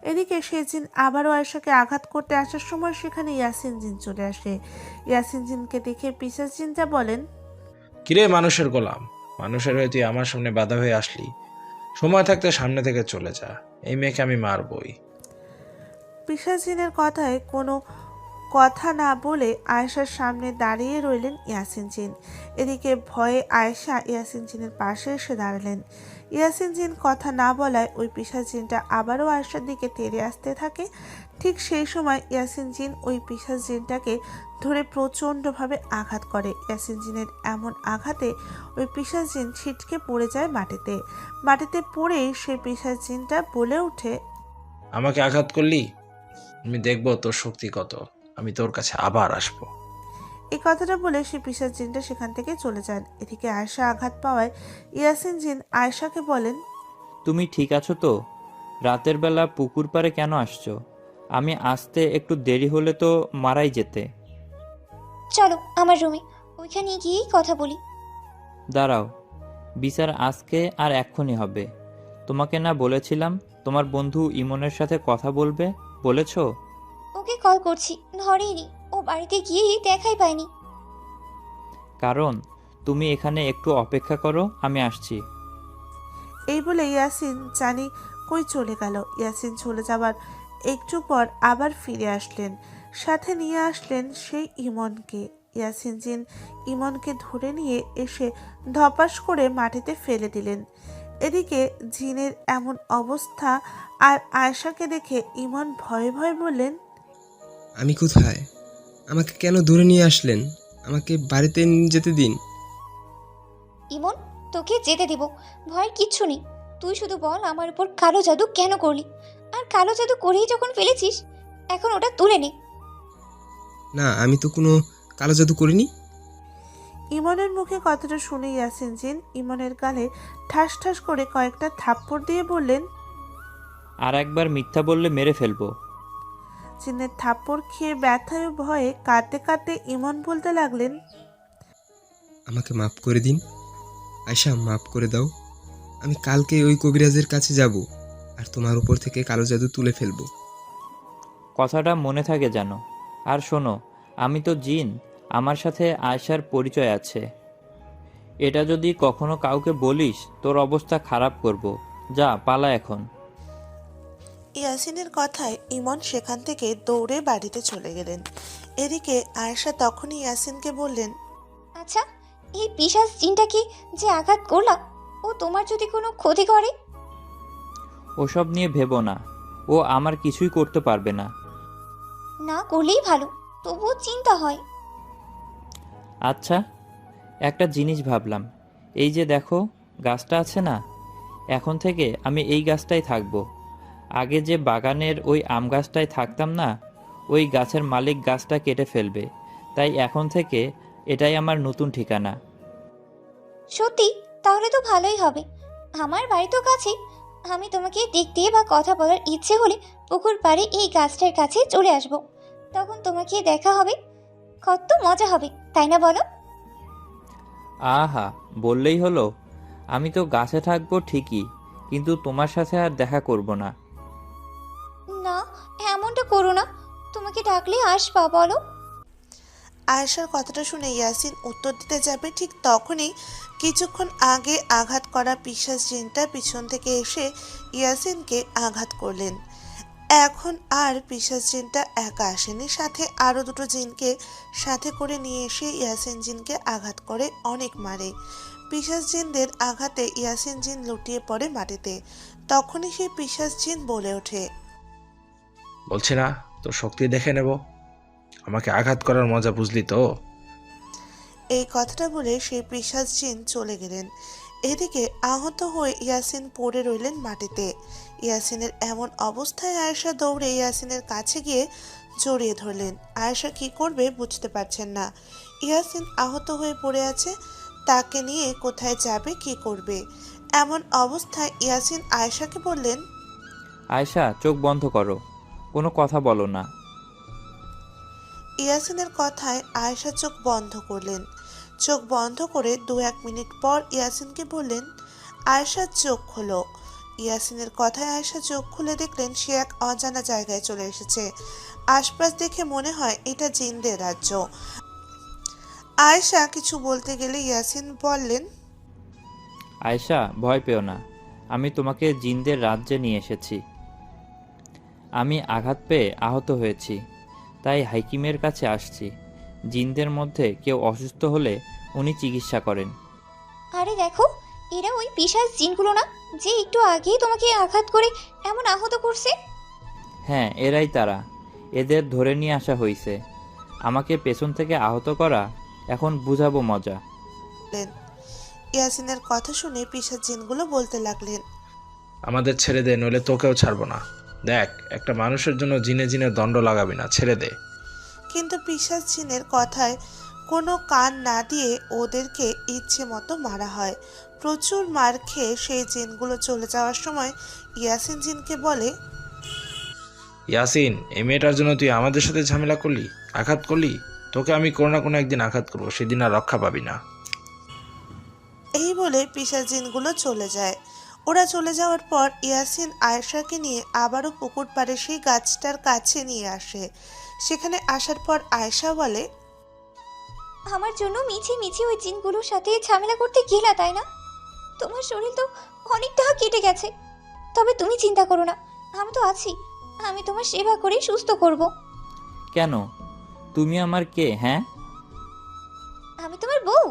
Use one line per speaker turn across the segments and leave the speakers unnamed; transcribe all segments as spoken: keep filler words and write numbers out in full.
এদিকে সে জিন আবারও আয়েশাকে আঘাত করতে আসার সময় সেখানে ইয়াসিন জিন চলে আসে। ইয়াসিন জিনকে দেখে পিশাচ জিনটা বলেন,
কিরে মানুষের গোলাম, মানুষের হয়ে তুই আমার সামনে বাধা হয়ে আসলি? সময় থাকতে সামনে থেকে চলে যা, এই মেয়েকে আমি মারবই।
পিশাচ জিনের কথায় কোনো কথা না বলে আয়েশার সামনে দাঁড়িয়ে রইলেন ইয়াসিন জিন। এদিকে ভয়ে আয়েশা ইয়াসিন জিনের পাশে এসে দাঁড়ালেন। ইয়াসিন জিন কথা না বলায় ওই পিশাচ জিনটা আবারও আয়েশার দিকে তেড়ে আসতে থাকে। ঠিক সেই সময় ইয়াসিন জিন ওই পিশাচ জিনটাকে ধরে প্রচণ্ডভাবে আঘাত করে। ইয়াসিন জিনের এমন আঘাতে ওই পিশাচ জিন ছিটকে পড়ে যায় মাটিতে। মাটিতে পড়েই সেই পিশাচ জিনটা বলে ওঠে,
আমাকে আঘাত করলি, আমি দেখবো তোর শক্তি কত, আমি তোর কাছে আবার আসবো।
এই কথাটা বলে সে পিশাচ জিনটা সেখান থেকে চলে যান। এদিকে আয়েশা আঘাত পাওয়ায় ইয়াসিন জিন আয়েশাকে বলেন,
তুমি ঠিক আছো তো? রাতের বেলা পুকুর পাড়ে কেন আসছো? আমি আসতে একটু দেরি হলে তো মারাই যেতে।
চলো আমার রুমে, ওইখানে গিয়েই কথা বলি।
দাঁড়াও, বিচার আজকে আর এক্ষুনি হবে। তোমাকে না বলেছিলাম তোমার বন্ধু ইমনের সাথে কথা বলবে? বলেছো?
ওকে কল করছি, ধরেইনি। ও বাড়িতে গিয়েই দেখাই পাইনি।
কারণ তুমি এখানে একটু অপেক্ষা করো, আমি আসছি।
এই বলে ইয়াসিন জানি কই চলে গেল। ইয়াসিন চলে যাবার একটু পর আবার ফিরে আসলেন, সাথে নিয়ে আসলেন সেই ইমনকে। ইয়াসিন জিন ইমনকে ধরে নিয়ে এসে ধপাস করে মাটিতে ফেলে দিলেন। এদিকে জিনের এমন অবস্থা আর আয়েশাকে দেখে ইমন ভয়ে ভয়ে বললেন,
আমি কোথায়? আমাকে কেন ধরে নিয়ে আসলেন? আমাকে বাড়িতে নিয়ে যেতে দিন।
ইমন, তোকে যেতে দেব, ভয়ের কিচ্ছু নেই। তুই শুধু বল আমার উপর কালো জাদু কেন করলি, আর কালো জাদু করেই যখন ফেলেছিস এখন ওটা তুলে নে।
না, আমি তো কোনো কালো জাদু করিনি।
ইমনের মুখে কথাটা শুনে ইয়াসিন জিন ইমনের গালে ঠাস ঠাস করে কয়েকটা থাপ্পড় দিয়ে বললেন,
আর একবার মিথ্যা বললে মেরে ফেলবো।
জিনের থাপ্পড় খেয়ে ব্যথায় ও ভয়ে কাঁদতে কাঁদতে ইমন বলতে লাগলেন,
আমাকে মাফ করে দিন আয়শা, মাফ করে দাও। আমি কালকে ওই কবিরাজের কাছে যাব আর তোমার উপর থেকে কালো জাদু তুলে ফেলবো।
কথাটা মনে থাকে যেন। আর শোনো, আমি তো জিন, আমার সাথে আয়শার পরিচয় আছে। এটা যদি কখনো কাউকে বলিস তোর অবস্থা খারাপ করব। যা, পালা এখন।
ইয়াসিনের কথায় ইমন সেখান থেকে দৌড়ে বাড়িতে চলে গেলেন। এদিকে আয়েশা তখনই ইয়াসিনকে বললেন,
আচ্ছা, এই পিশাচ জিনটাকে যে আঘাত করলাম, ও তোমার যদি কোনো ক্ষতি করে?
ওসব নিয়ে ভেবো না, ও আমার কিছুই করতে পারবে না।
না করলেই ভালো, তবুও চিন্তা হয়।
আচ্ছা, একটা জিনিস ভাবলাম। এই যে দেখো, গাছটা আছে না, এখন থেকে আমি এই গাছটাই থাকবো। আগে যে বাগানের ওই আম গাছটায় থাকতাম না, ওই গাছের মালিক গাছটা কেটে ফেলবে, তাই এখন থেকে এটাই আমার নতুন ঠিকানা।
সত্যি? তাহলে তো ভালোই হবে। আমার বাড়ি তো কাছে, আমি তোমাকে দেখতে বা কথা বলার ইচ্ছে হলে পুকুর পাড়ে এই গাছটার কাছে চলে আসব। তখন তোমাকে দেখা হবে, কত মজা হবে, তাই না বলো?
আহা, বললেই হলো। আমি তো গাছে থাকবো ঠিকই, কিন্তু তোমার সাথে আর দেখা করব না।
না, এমনটা করো না। তোমাকে ডাকলে আসবা, বলো।
আয়েশার কথাটা শুনে ইয়াসিন উত্তর দিতে যাবে, ঠিক তখনই কিছুক্ষণ আগে আঘাত করা পিশাচ জিনটা পিছন থেকে এসে ইয়াসিনকে আঘাত করলেন। এখন আর পিশাচ জিনটা একা আসেনি, সাথে আরও দুটো জিনকে সাথে করে নিয়ে এসে ইয়াসিন জিনকে আঘাত করে অনেক মারে। পিশাচ জিনদের আঘাতে ইয়াসিন জিন লুটিয়ে পড়ে মাটিতে। তখনই সেই পিশাচ জিন বলে ওঠে,
বলছি না তোর শক্তি দেখে নেব, আমাকে আঘাত করার মজা বুঝলি তো?
এই কথাটা বলে সেই পিশাচ জিন চলে গেলেন। এদিকে আহত হয়ে ইয়াসিন পড়ে রইলেন মাটিতে। ইয়াসিনের এমন অবস্থায় আয়েশা দৌড়ে ইয়াসিনের কাছে গিয়ে জড়িয়ে ধরলেন। আয়েশা কি করবে বুঝতে পারছেন না। ইয়াসিন আহত হয়ে পড়ে আছে, তাকে নিয়ে কোথায় যাবে, কি করবে? এমন অবস্থায় ইয়াসিন আয়েশাকে বললেন,
আয়শা, চোখ বন্ধ করো, কোনো কথা বলো না।
ইয়াসিনের কথায় আয়েশা চোখ বন্ধ করলেন। চোখ বন্ধ করে দু এক মিনিট পর ইয়াসিনকে বললেন, আয়েশার চোখ খোলো। ইয়াসিনের কথায় আয়েশা চোখ খুলে দেখলেন সে এক অজানা জায়গায় চলে এসেছে। আশপাশ দেখে মনে হয় এটা জিনদের রাজ্য। আয়েশা কিছু বলতে গেলে ইয়াসিন বললেন,
আয়েশা, ভয় পেও না, আমি তোমাকে জিনদের রাজ্যে নিয়ে এসেছি। আমি আঘাত পেয়ে আহত হয়েছি, তাই হাকিমের কাছে আসছি। জিনদের মধ্যে কেউ অসুস্থ হলে উনি চিকিৎসা করেন।
আরে দেখো, এরা ওই পিশাচ জিনগুলো না, যে একটু আগেই তোমাকে আঘাত করে এমন আহত করছে?
হ্যাঁ, এরাই তারা। এদের ধরে নিয়ে আসা হয়েছে। আমাকে পেছন থেকে আহত করা, এখন বুঝাবো মজা।
ইয়াসিনের কথা শুনে পিশাচ জিনগুলো বলতে লাগলেন,
আমাদের ছেড়ে দে, নইলে তোকেও ছাড়বো না। দেখ, একটা মানুষের জন্য জিনে জিনে দণ্ড লাগাবি না, ছেড়ে দে।
কিন্তু পিশাচ জিনের কথায় কোনো কান না দিয়ে ওদেরকে ইচ্ছে মতো মারা হয়। প্রচুর মার খেয়ে সেই জিনগুলো চলে যাওয়ার সময় ইয়াসিন জিনকে বলে,
ইয়াসিন, এই মেয়েটার জন্য তুই আমাদের সাথে ঝামেলা করলি, আঘাত করলি। তোকে আমি কোনো না কোনো একদিন আঘাত করবো, সেদিন আর রক্ষা পাবি না।
এই বলে পিশাচ জিনগুলো চলে যায়। ওরা চলে যাওয়ার পর ইয়াসিন আয়েশাকে নিয়ে আবারও পুকুর পাড়ে সেই গাছটার কাছে নিয়ে আসে। সেখানে আসার পর আয়েশা বলে,
আমার জন্য মিছি মিছি ওই জিনগুলোর সাথে ঝামেলা করতে গেলা, তাই না? তোমার শরীর তো অনেকটা কেটে গেছে, তবে তুমি চিন্তা করো না, আমি তো আছি। আমি তোমার সেবা করে সুস্থ করব।
কেন? তুমি আমার কে? হ্যাঁ,
আমি তোমার বউ।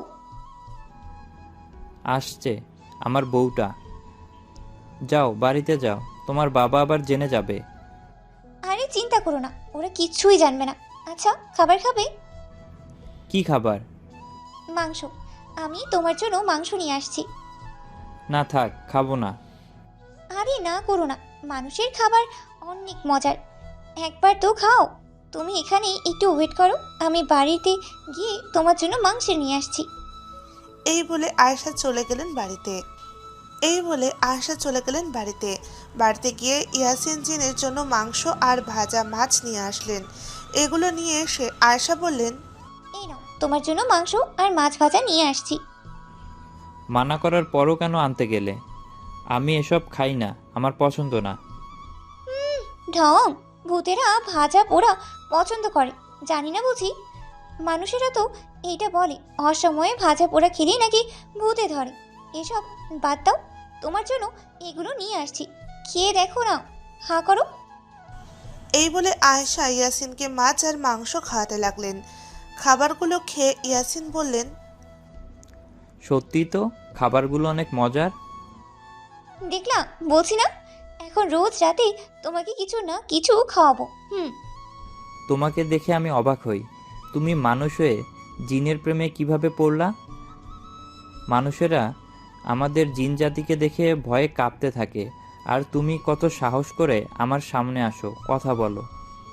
আসছে আমার বউটা। যাও, বাড়িতে যাও, তোমার বাবা আবার জেনে যাবে।
আরে চিন্তা করো না, ওরা কিচ্ছুই জানবে না। আচ্ছা, খাবার খাবে?
কি খাবার?
মাংস। আমি তোমার জন্য মাংস নিয়ে আসছি।
না থাক, খাবো না।
আরে না করো না, মানুষের খাবার অনেক মজার, একবার তো খাও। তুমি এখানে একটু ওয়েট করো, আমি বাড়িতে গিয়ে তোমার জন্য মাংস নিয়ে আসছি।
এই বলে আয়েশা চলে গেলেন বাড়িতে। এই বলে আয়েশা চলে গেলেন বাড়িতে। বাড়িতে গিয়ে ইয়াসিন জিনের জন্য মাংস আর ভাজা মাছ নিয়ে আসলেন। এগুলো নিয়ে এসে আয়েশা বললেন,
এই নাও, তোমার জন্য মাংস আর মাছ ভাজা নিয়ে আসছি।
মানা করার পরও কেন আনতে গেলে? আমি এসব খাই না, আমার পছন্দ না।
ঢং, ভূতেরা ভাজা পোড়া পছন্দ করে, জানি না বুঝি? মানুষেরা তো এইটা বলে, অসময়ে ভাজা পোড়া খেলেই নাকি ভূতে ধরে। এসব বাদ দাও, তোমার জন্য এগুলো নিয়ে আসছি, খেয়ে দেখো না, হা করো।
এই বলে আয়েশা ইয়াসিনকে মাছ আর মাংস খাওয়াতে লাগলেন। খাবারগুলো খেয়ে ইয়াসিন বললেন,
সত্যি তো খাবারগুলো অনেক মজার।
দেখলাম, বলছি না, এখন রোজ রাতে তোমাকে কিছু না কিছু খাওয়াবো। হুম।
তোমাকে দেখে আমি অবাক হই, তুমি মানুষ হয়ে জিনের প্রেমে কিভাবে পড়লা? মানুষেরা আমাদের জিন জাতিকে দেখে ভয়ে কাঁপতে থাকে, আর তুমি কত সাহস করে আমার সামনে আসো, কথা বলো।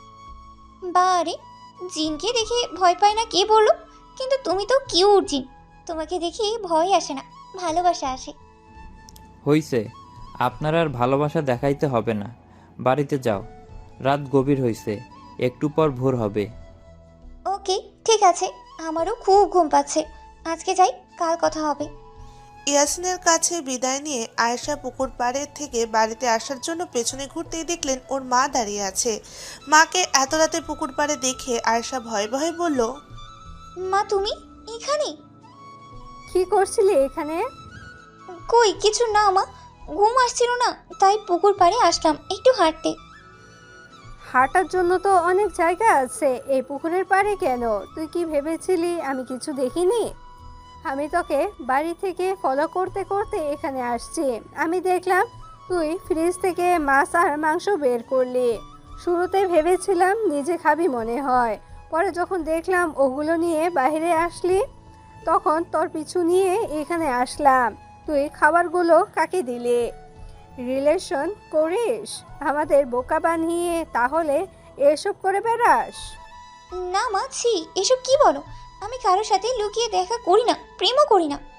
বারে, জিনকে দেখে ভয় পায় না কে বললো? কিন্তু তুমি তো কিউট জিন, তোমাকে দেখে ভয় আসে না, ভালোবাসা আসে।
হইছে, আপনার আর ভালোবাসা দেখাইতে হবে না, বাড়িতে যাও। রাত গভীর হইছে, একটু পর ভোর হবে।
ওকে, ঠিক আছে, আমারও খুব ঘুম পাচ্ছে, আজকে যাই, কাল কথা হবে।
ইয়াসিনের কাছে বিদায় নিয়ে আয়েশা পুকুর পাড়ে থেকে বাড়িতে আসার জন্য পেছনে ঘুরতেই দেখলেন ওর মা দাঁড়িয়ে আছে। মাকে এত রাতে পুকুর পাড়ে দেখে আয়েশা ভয়ে ভয়ে বলল,
মা তুমি এখানে?
কি করছিলি এখানে?
কই কিছু না মা, ঘুম আসছিল না, তাই পুকুর পাড়ে আসলাম একটু হাঁটতে।
হাঁটার জন্য তো অনেক জায়গা আছে, এই পুকুরের পাড়ে কেন? তুই কি ভেবেছিলি আমি কিছু দেখিনি? আমি তোকে বাড়ি থেকে ফলো করতে করতে এখানে আসছি। আমি দেখলাম তুই ফ্রিজ থেকে মাছ আর মাংস বের করলি। শুরুতে ভেবেছিলাম নিজে খাবি মনে হয়, পরে যখন দেখলাম ওগুলো নিয়ে বাইরে আসলি, তখন তোর পিছু নিয়ে এখানে আসলাম। তুই খাবারগুলো কাকে দিলি? রিলেশন করিস আমাদের বোকা বানিয়ে, তাহলে এসব করে বেড়াস?
না মা, ছি, এসব কি বলো? আমি কারোর সাথে লুকিয়ে দেখা করি না, প্রেমও করি না।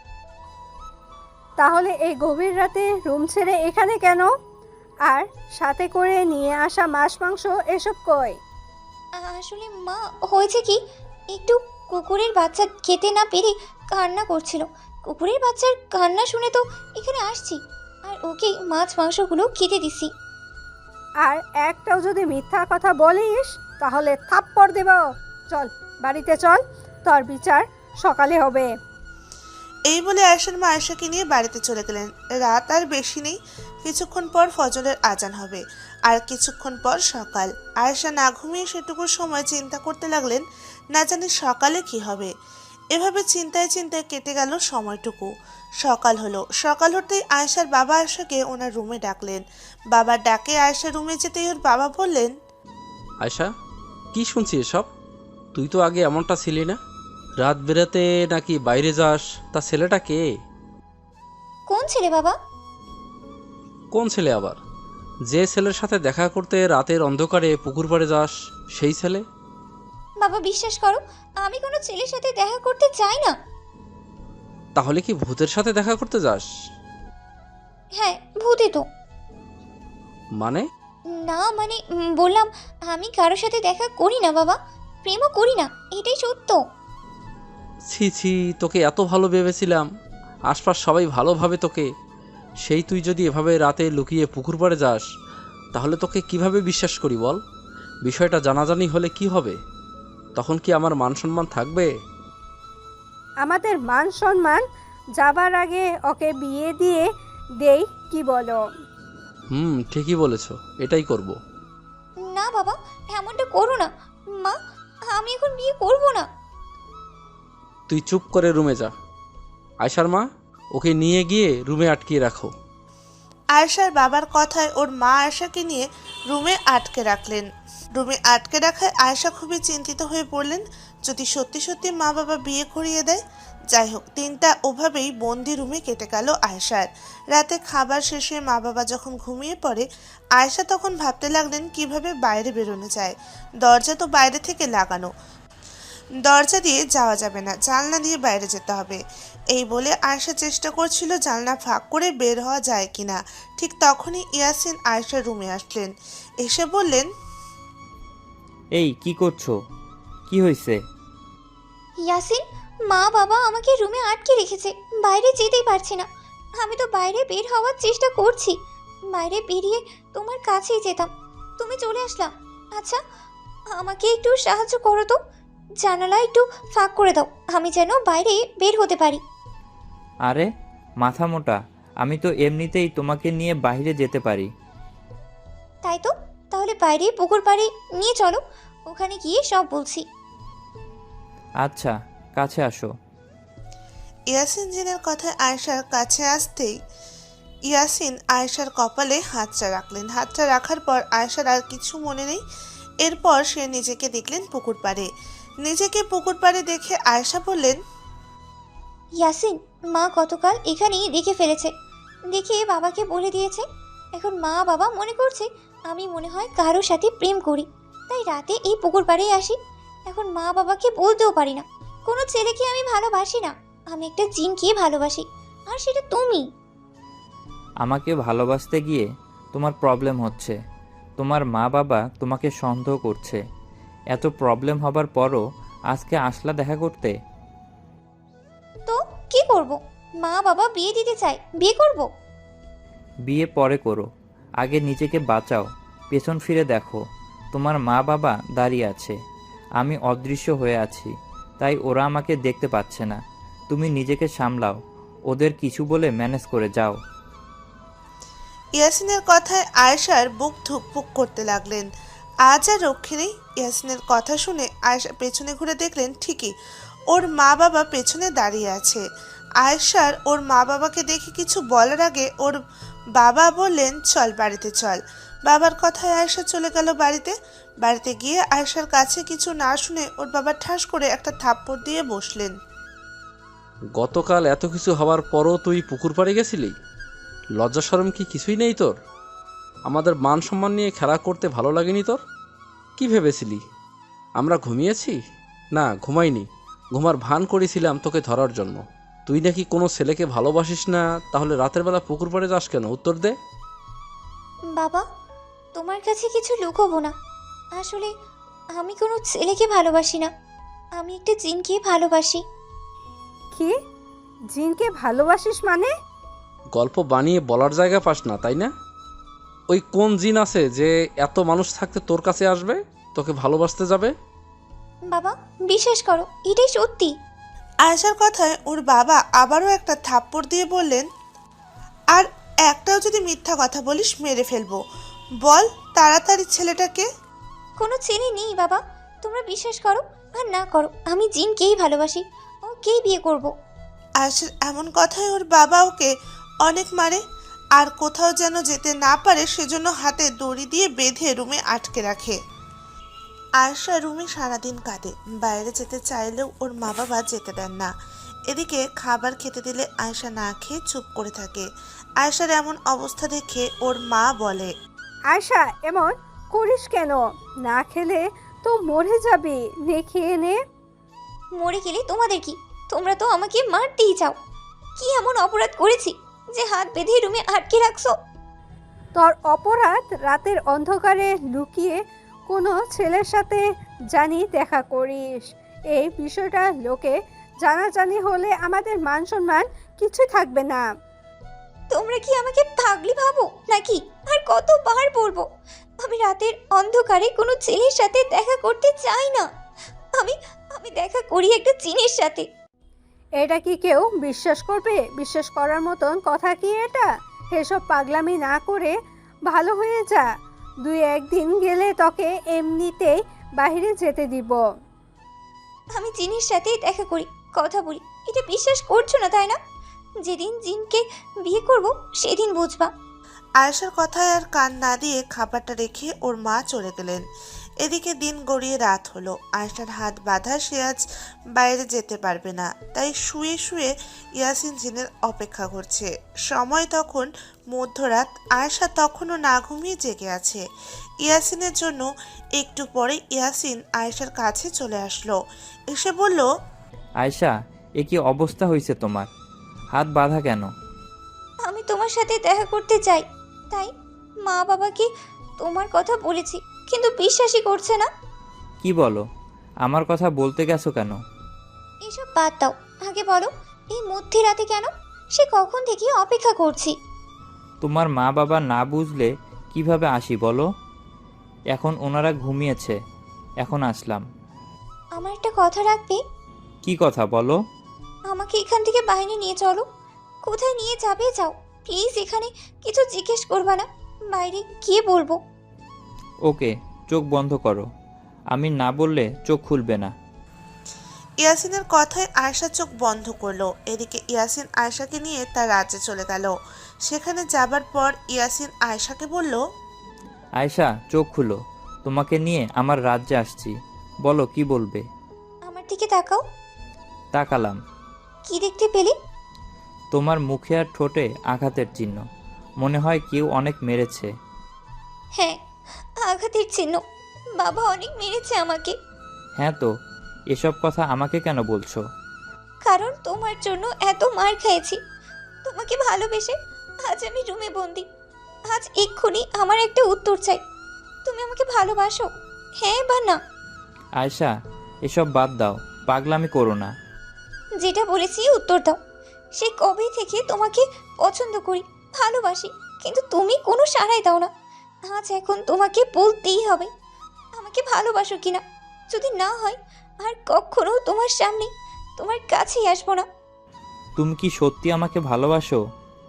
তাহলে এই গভীর রাতে রুম ছেড়ে এখানে কেন? আর সাথে করে নিয়ে আসা মাছ মাংস এসব কই?
আসলে মা, হয়েছে কি, একটু কুকুরের বাচ্চা খেতে না পেরে কান্না করছিল। কুকুরের বাচ্চার কান্না শুনে তো এখানে আসছি। আর ওকে মাছ মাংসগুলো খেতে দিছি।
আর একটাও যদি মিথ্যা কথা বলিস তাহলে থাপ্পড় দেব। চল বাড়িতে চল, তোর বিচার সকালে হবে।
এই বলে আয়েশার মা আয়েশাকে নিয়ে বাড়িতে চলে গেলেন। রাত আর বেশি নেই, কিছুক্ষণ পর ফজরের আজান হবে, আর কিছুক্ষণ পর সকাল। আয়েশা না ঘুমিয়ে সেটুকু সময় চিন্তা করতে লাগলেন, না জানি সকালে কি হবে। এভাবে চিন্তায় চিন্তায় কেটে গেল সময়টুকু। সকাল হলো। সকাল হতেই আয়েশার বাবা আয়েশাকে ওনার রুমে ডাকলেন। বাবার ডাকে আয়েশা রুমে যেতেই ওর বাবা বললেন,
আয়শা, কি শুনছি এসব? তুই তো আগে এমনটা ছিলি না। রাত বেরাতে নাকি বাইরে যাস, তা ছেলেটা কে?
কোন ছেলে বাবা?
কোন ছেলে আবার? যে ছেলের সাথে দেখা করতে রাতের অন্ধকারে পুকুর পাড়ে যাস, সেই ছেলে?
বাবা বিশ্বাস করো, আমি কোনো ছেলের সাথে দেখা করতে চাই না।
তাহলে কি ভূতের সাথে দেখা করতে যাস?
হ্যাঁ, ভূতে তো।
মানে?
না মানে উম, বললাম আমি কারোর সাথে দেখা করি না বাবা, প্রেমও করি না, এটাই সত্য।
ছি ছি, তোকে এত ভালো ভেবেছিলাম, আশপাশ সবাই ভালো ভাবে তোকে। সেই তুই যদি এভাবে রাতে লুকিয়ে পুকুর পাড়ে যাস, তাহলে তোকে কিভাবে বিশ্বাস করি বল? বিষয়টা জানাজানি হলে কি হবে? তখন কি আমার মান সম্মান থাকবে?
আমাদের মান সম্মান যাবার আগে ওকে বিয়ে দিয়ে দেই, কি বলো?
হুম, ঠিকই বলেছ, এটাই করব।
না বাবা, এমনটা করো না। মা, আমি এখন বিয়ে করব না।
তুই চুপ করে রুমে যা। আয়শার মা, ওকে নিয়ে গিয়ে রুমে আটকিয়ে রাখো।
আয়েশার বাবার কথায় ওর মা আয়েশাকে নিয়ে রুমে আটকে রাখলেন। রুমে আটকে রাখায় আয়েশা খুবই চিন্তিত হয়ে পড়লেন, যদি সত্যি সত্যি মা বাবা বিয়ে করিয়ে দেয়। যাই হোক, দিনটা ওভাবেই বন্দি রুমে কেটে গেল আয়েশার। রাতে খাবার শেষে মা বাবা যখন ঘুমিয়ে পড়ে, আয়েশা তখন ভাবতে লাগলেন কিভাবে বাইরে বেরোনো যায়। দরজা তো বাইরে থেকে লাগানো, দরজা দিয়ে যাওয়া যাবে না, জানলা দিয়ে বাইরে যেতে হবে। এই বলে আয়েশা চেষ্টা করছিল জানলা ফাঁক করে বের হওয়া যায় কিনা। ঠিক তখনই ইয়াসিন আয়েশার রুমে আসলেন। এসে বললেন,
এই কি করছো? কি হয়েছে?
ইয়াসিন, মা বাবা আমাকে রুমে আটকে রেখেছে, বাইরে যেতেই পারছি না। আমি তো বাইরে বের হওয়ার চেষ্টা করছি, বাইরে বেরিয়ে তোমার কাছেই যেতাম, তুমি চলে আসলাম। আচ্ছা, আমাকে একটু সাহায্য করো তো, জানালা একটু ফাঁক করে দাও, আমি যেন বাইরে বের হতে পারি।
আরে মাথা মোটা, আমি তো এমনিতেই তোমাকে নিয়ে বাইরে যেতে পারি।
তাই তো, তাহলে বাইরে পুকুর পাড়ে নিয়ে চলো, ওখানে গিয়ে সব বলছি।
আচ্ছা, কাছে আসো।
ইয়াসিন জিনের কথায় আয়েশার কাছে আসতেই ইয়াসিন আয়েশার কপালে হাতটা রাখলেন। হাতটা রাখার পর আয়েশার আর কিছু মনে নেই। এরপর সে নিজেকে দেখলেন পুকুর পাড়ে। নিজেকে পুকুর পাড়ে দেখে আয়েশা বললেন,
ইয়াসিন, মা গতকাল এখানেই দেখে ফেলেছে, দেখে বাবাকে বলে দিয়েছে। এখন মা বাবা মনে করছে আমি মনে হয় কারোর সাথে প্রেম করি, তাই রাতে এই পুকুর পাড়েই আসি। এখন মা বাবাকে বলতেও পারি না কোনো ছেলেকে আমি ভালোবাসি না, আমি একটা জিনকে ভালোবাসি, আর সেটা তুমি।
আমাকে ভালোবাসতে গিয়ে তোমার প্রবলেম হচ্ছে। তোমার মা বাবা তোমাকে সন্দেহ করছে। এত প্রবলেম হবার পরও আজকে আসলা দেখা করতে।
তো কি করব? মা বাবা বিয়ে দিতে চায়, বিয়ে করব।
বিয়ে পরে করো, আগে নিজেকে বাঁচাও। পেছন ফিরে দেখো, তোমার মা বাবা দাঁড়িয়ে আছে, আমি অদৃশ্য হয়ে আছি, তাই ওরা আমাকে দেখতে পাচ্ছে না। তুমি নিজেকে সামলাও, ওদের কিছু বলে ম্যানেজ করে যাও।
ইয়াসিনের কথায় আয়েশার বুক ধুকপুক করতে লাগলেন। আজ আর রক্ষে নেই। ইয়াসিনের কথা শুনে আয়েশা পেছনে ঘুরে দেখলেন ঠিকই ওর মা বাবা পেছনে দাঁড়িয়ে আছে। আয়েশার ওর মা বাবাকে দেখে কিছু বলার আগে ওর বাবা বললেন, চল বাড়িতে চল। বাবার কথায় আয়েশা চলে গেল বাড়িতে। বাড়িতে গিয়ে আয়েশার কাছে কিছু না শুনে ওর বাবা ঠাস করে একটা থাপ্পড় দিয়ে বসলেন।
গতকাল এত কিছু হওয়ার পরও তুই পুকুর পাড়ে গেছিলি? লজ্জা শরম কি কিছুই নেই তোর? আমাদের মান সম্মান নিয়ে খেলা করতে ভালো লাগেনি তোর? কি ভেবেছিলি আমরা ঘুমিয়েছি? না, ঘুমাইনি। ঘুমার ভান করেছিলাম তোকে ধরার জন্য। তুই নাকি কোনো ছেলেকে ভালোবাসিস না, তাহলে রাতের বেলা পুকুর পাড়ে যাস কেন? উত্তর দে।
বাবা, তোমার কাছে কিছু লুকোবো না, আসলে আমি কোনো ছেলেকে ভালোবাসি না, আমি একটা জিনকে ভালোবাসি।
কি? জিনকে ভালোবাসিস মানে?
গল্প বানিয়ে বলার জায়গা পাস না, তাই না? ওই কোন জিন আছে যে এত মানুষ থাকতে তোর কাছে আসবে, তোকে ভালোবাসতে যাবে?
বাবা বিশ্বাস করো, এটাই সত্যি।
আয়েশার কথায় ওর বাবা আবারও একটা থাপ্পড় দিয়ে বললেন, আর একটাও যদি মিথ্যা কথা বলিস মেরে ফেলবো। বল তাড়াতাড়ি ছেলেটাকে।
কোনো ছেলে নেই বাবা, তোমরা বিশ্বাস করো আর না করো, আমি জিনকেই ভালোবাসি, ওকেই বিয়ে করব।
আয়েশার এমন কথায় ওর বাবা ওকে অনেক মারে, আর কোথাও যেন যেতে না পারে সেজন্য হাতে দড়ি দিয়ে বেঁধে রুমে আটকে রাখে। আয়েশা রুমে সারাদিন কাটে, বাইরে যেতে চাইলেও ওর মা বাবা যেতে দেন না। এদিকে খাবার খেতে দিলে আয়েশা না খেয়ে চুপ করে থাকে। আয়েশার এমন অবস্থা দেখে ওর মা বলে,
আয়শা এমন করিস কেন? না খেলে তো মরে যাবি, নে খেয়ে নে।
মরে গেলে তোমাদের কি? তোমরা তো আমাকে মারতেই চাও। কি এমন অপরাধ করেছি যে হাত বেঁধে রুমে আটকে রাখছো?
তোর অপরাধ রাতের অন্ধকারে লুকিয়ে কোনো ছেলের সাথে জানি দেখা করিস। এই বিষয়টা লোকে জানাজানি হলে আমাদের মান সম্মান কিছুই থাকবে না।
তোমরা কি আমাকে পাগলি ভাবো নাকি? আর কতবার বলবো, আমি রাতের অন্ধকারে কোনো ছেলের সাথে দেখা করতে চাই না। আমি আমি দেখা করি একটা জিনের সাথে।
এটা কি কেউ বিশ্বাস করবে? বিশ্বাস করার মতন কথা কি এটা? এসব পাগলামি না করে ভালো হয়ে যা। দুই একদিন গেলে তোকে এমনিতেই বাইরে যেতে দিব।
আমি জিনের সাথে দেখা করি, কথা বলি, এটা বিশ্বাস করছো না তাই না? যেদিন জিনকে বিয়ে করব সেদিন বুঝবা।
আয়েশার কথায় আর কান না দিয়ে খাবারটা রেখে ওর মা চলে গেলেন। এদিকে দিন গড়িয়ে রাত হলো। আয়েশার হাত বাঁধা, সে আজ বাইরে যেতে পারবে না, তাই শুয়ে শুয়ে ইয়াসিন জিনের অপেক্ষা করছে। সময় তখন মধ্যরাত। আয়েশা তখনও না ঘুমিয়ে জেগে আছে। ইয়াসিনের জন্য একটু পরে ইয়াসিন আয়েশার কাছে চলে আসলো, এসে বলল,
আয়শা, এ কি অবস্থা হয়েছে তোমার? হাত বাঁধা কেন?
আমি তোমার সাথে দেখা করতে চাই, তাই মা বাবাকে তোমার কথা বলেছি, কিন্তু বিশ্বাসই করছে না।
কি বলো? আমার কথা বলতে গেছো কেন?
এসব বাদ দাও, আগে বলো এই মধ্যরাতে কেন? সে কখন থেকে অপেক্ষা করছি।
তোমার মা বাবা না বুঝলে কিভাবে আসি বলো? এখন ওনারা ঘুমিয়েছে, এখন আসলাম।
আমার একটা কথা রাখবে?
কি কথা বলো?
আমাকে এখান থেকে বাইরে নিয়ে চলো। কোথায় নিয়ে যাবে যাও, প্লিজ এখানে কিছু জিজ্ঞেস করবা না, বাইরে গিয়ে বলবো।
ওকে, চোখ বন্ধ করো। আমি না বললে চোখ খুলবে না।
ইয়াসিনের কথায় আয়েশা চোখ বন্ধ করলো। এদিকে ইয়াসিন আয়েশাকে নিয়ে তার রাজ্যে চলে গেল। সেখানে যাবার পর ইয়াসিন আয়েশাকে বলল,
আয়শা, চোখ খুলো। তোমাকে নিয়ে আমার রাজ্যে আসছি, বলো কি বলবে।
আমার দিকে তাকাও।
তাকালাম।
কি দেখতে পেলে?
তোমার মুখে আর ঠোঁটে আঘাতের চিহ্ন, মনে হয় কেউ অনেক মেরেছে।
হ্যাঁ, আঘাতের চিহ্ন। বাবা অনেক মেরেছে আমাকে।
হ্যাঁ তো, এসব কথা আমাকে কেন বলছো?
কারণ তোমার জন্য এত মার খেয়েছি। তোমাকে ভালোবেসে আজ আমি রুমে বন্দি। আজ এক্ষুনি আমার একটা উত্তর চাই। তুমি আমাকে ভালোবাসো, হ্যাঁ বা না?
আয়শা, এসব বাদ দাও, পাগলামি করো না।
যেটা বলেছি উত্তর দাও। সে কবে থেকে তোমাকে পছন্দ করি, ভালোবাসি, কিন্তু তুমি কোনো সাড়াই দাও না। আজ এখন তোমাকে বলতেই হবে আমাকে ভালোবাসো কিনা। যদি না হয় আর কখনো তোমার সামনে তোমার কাছেই আসবো না।
তুমি কি সত্যি আমাকে ভালোবাসো?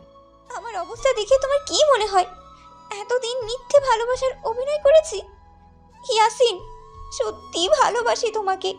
আমার অবস্থা দেখে তোমার কি মনে হয় এতদিন মিথ্যে ভালোবাসার অভিনয় করেছি? ইয়াসিন, সত্যি ভালোবাসি তোমাকে।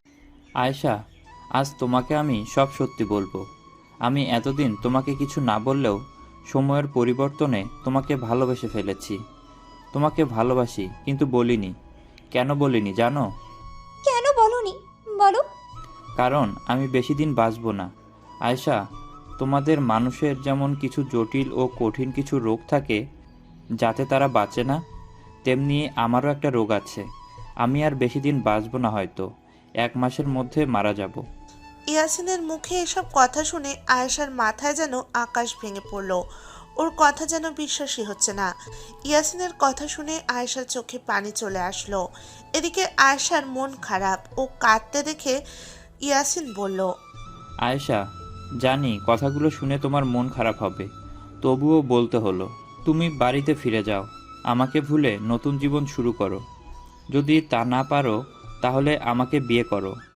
আয়শা, আজ তোমাকে আমি সব সত্যি বলবো। আমি এতদিন তোমাকে কিছু না বললেও সময়ের পরিবর্তনে তোমাকে ভালোবেসে ফেলেছি। তোমাকে ভালোবাসি, কিন্তু বলিনি। কেন বলিনি জানো?
কেন বলনি বলো?
কারণ আমি বেশি দিন বাঁচবো না। আয়শা, তোমাদের মানুষের যেমন কিছু জটিল ও কঠিন কিছু রোগ থাকে যাতে তারা বাঁচে না, তেমনি আমারও একটা রোগ আছে। আমি আর বেশি দিন বাঁচবো না, হয়তো এক মাসের মধ্যে মারা যাব।
ইয়াসিনের মুখে এসব কথা শুনে আয়েশার মাথায় যেন আকাশ ভেঙে পড়ল। ওর কথা যেন বিশ্বাসই হচ্ছে না। ইয়াসিনের কথা শুনে আয়েশার চোখে পানি চলে আসলো। এদিকে আয়েশার মন খারাপ, ও কাঁদতে দেখে ইয়াসিন বলল,
আয়েশা, জানি কথাগুলো শুনে তোমার মন খারাপ হবে, তবুও বলতে হলো, তুমি বাড়িতে ফিরে যাও, আমাকে ভুলে নতুন জীবন শুরু করো। যদি তা না পারো তাহলে আমাকে বিয়ে করো।